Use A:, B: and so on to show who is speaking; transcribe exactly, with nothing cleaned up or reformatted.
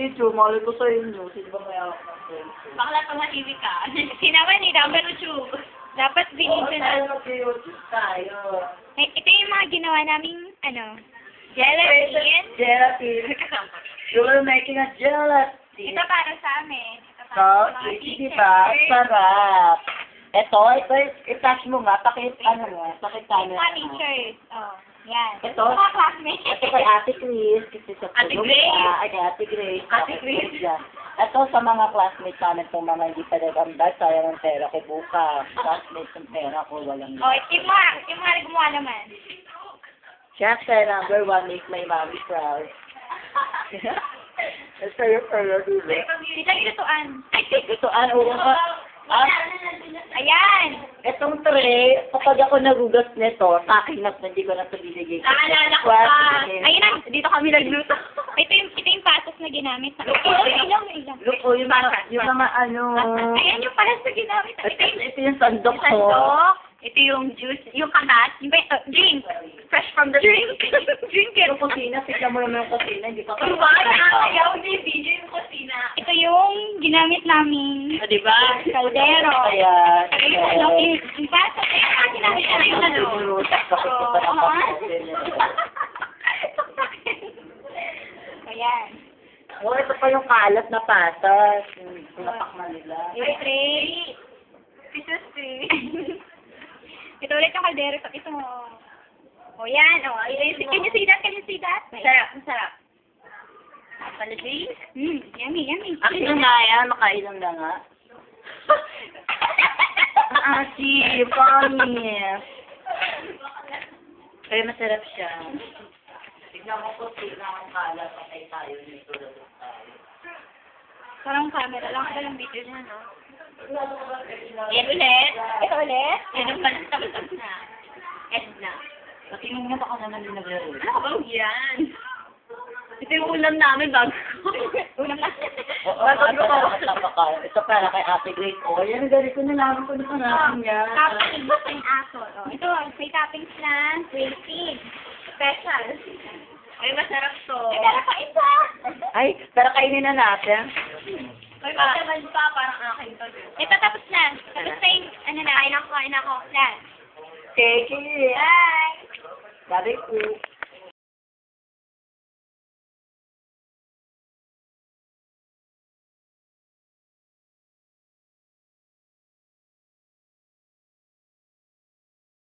A: Chu, mali ko sa inyo. Sino ba kaya ako ng friend Chu?
B: Bakla tumahimik ka. Sinaman ni number two. Dapat binigyan na.
A: Tayo mag-YouTube tayo.
B: Eh, ito yung mga ginawa naming, ano, gelatin.
A: Gelatin. You're making a gelatin.
B: Ito para sa amin. Ito para
A: So,
B: sa mga
A: di
B: teachers.
A: ba? Sarap. Ito, ito, i-touch mo nga. Pakit, ano nga, pakit
B: Yung
A: tayo.
B: mga teachers. Oh, yan.
A: Ito?
B: Mga classmates.
A: Ito kay Ate Chris. Kasi sa
B: Ate
A: tulong
B: Grace?
A: siya. Ay, kay Ate Grace.
B: Ate
A: Ate
B: Grace.
A: Yan. Ito sa mga classmates namin itong mga hindi pa nagambal. Sayang ang pera ko bukas. Classmates ang pera ko. Walang
B: Oh, yung mga, yung mga gumawa naman.
A: Siyempre, number one, make my mommy proud. That's for your prayer, dulo.
B: Sila gituan.
A: Ito, ano, ah,
B: Ayan.
A: itong tray, kapag ako nagugas nito, sa akin na, hindi ko na ito binigay.
B: Naalala ko pa. Ayun na, dito kami nagluto. Ito yung, ito yung patos na ginamit. Ilang, ilang.
A: Look, oh, yung mga, yung mga ano,
B: Ayan yung patos na ginamit.
A: ito, ito yung sandok ko.
B: Sandok. Ito yung juice, yung kagat, yung uh, drink. Fresh from the drink. Drink it.
A: Yung kusina, tignan mo naman yung kusina, hindi pa
B: Ano ba? Nakakayaw ni B J yung kusina. Ito yung ginamit namin.
A: O, diba?
B: Kaldero.
A: Ayan.
B: Ayun, ano, yung yung patos. Ayun, ginamit na yung ano.
A: Binutas, bakit ko pa napapasin.
B: Ayan.
A: Oh, ito pa yung kalat na patas. Yung pinapakma nila.
B: Yung tray. Pisos tray. Ito ulit yung kaldero. Ito mo. O yan. O, can you see that? Can you see that? Masarap. Masarap. Panagay? Hmm. Yummy, yummy.
A: Akin yung nga yan. Makailang na nga. Ah, si Bonnie. Kaya masarap siya. Tignan mo po, tignan ang kalat. Patay tayo nito. tayo.
B: Parang camera lang. Ito lang video niya, no? Yan ulit. Ito ulit. Yan yung palit tapos na. End na.
A: Patingin nga baka naman din naglaro.
B: Ano ba yan? Ito yung ulam namin bago. Ulam na.
A: Oo, ito pa Ito para kay Ate Grace. Oh, yan, galing ko nalaman ko na pangalan niya.
B: Toppings ng aso. Oh, ito, may toppings na twenty. Special. Ay, masarap to. Ay, meron pa isa.
A: Ay, pero kainin na natin.
B: Ay, mataman pa. Parang akin to. Ito, tapos na. Tapos na yung, ano na, kain ako, kain ako. Last.
A: Thank you.
B: Bye.
A: Sabi ko.